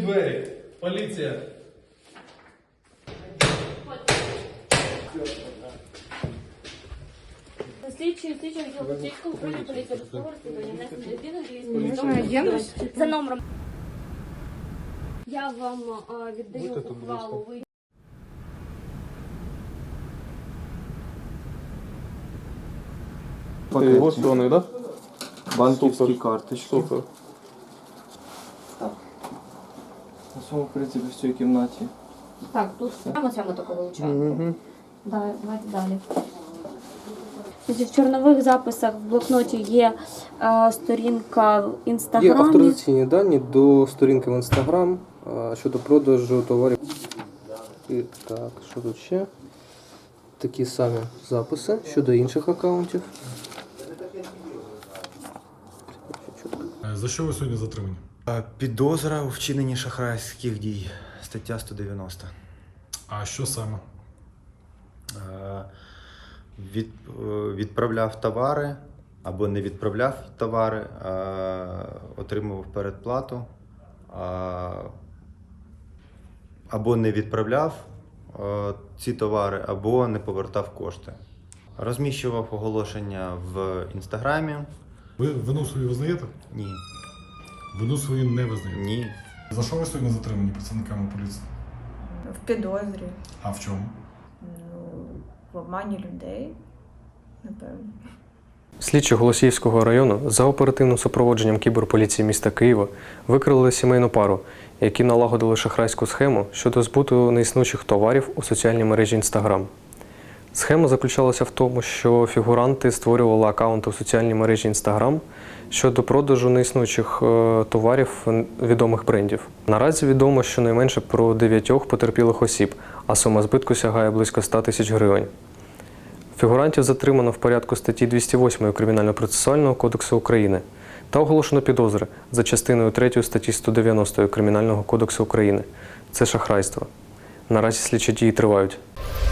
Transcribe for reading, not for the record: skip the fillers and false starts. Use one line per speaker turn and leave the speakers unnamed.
двері. Поліція.
Слідчий відділ Поліцейського управління поліції Бускового розслідування внесення змін за номером. Я вам віддаю ухвалу.
Лосьони, да?
Банківські карточки.
Супер.
Так. На цьому, в принципі, в цій кімнаті.
Так, тут саме таке вилучаємо. Давайте далі. В чорнових записах в блокноті є сторінка в
Є
Інстаграмі.
авторизаційні дані до сторінки в Інстаграм щодо продажу товарів. І так, що тут ще? Такі самі записи щодо інших аккаунтів.
За що ви сьогодні затримані?
Підозра у вчиненні шахрайських дій. Стаття 190.
А що саме?
Відправляв товари або не відправляв товари, отримував передплату, або не відправляв ці товари, або не повертав кошти. Розміщував оголошення в Інстаграмі.
Ви вину свою визнаєте?
Ні.
Вину свою не визнаєте?
Ні.
За що ви сьогодні затримані працівниками поліції?
В підозрі,
А в чому?
в обмані людей, напевно.
Слідчі Голосіївського району за оперативним супроводженням кіберполіції міста Києва викрили сімейну пару, які налагодили шахрайську схему щодо збуту неіснучих товарів у соціальній мережі Instagram. Схема заключалася в тому, що фігуранти створювали акаунти у соціальній мережі Instagram щодо продажу неіснучих товарів відомих брендів. Наразі відомо щонайменше про 9 потерпілих осіб, а сума збитку сягає близько 100 тисяч гривень. Фігурантів затримано в порядку статті 208 Кримінально-процесуального кодексу України та оголошено підозри за частиною 3 статті 190 Кримінального кодексу України. Це шахрайство. Наразі слідчі дії тривають.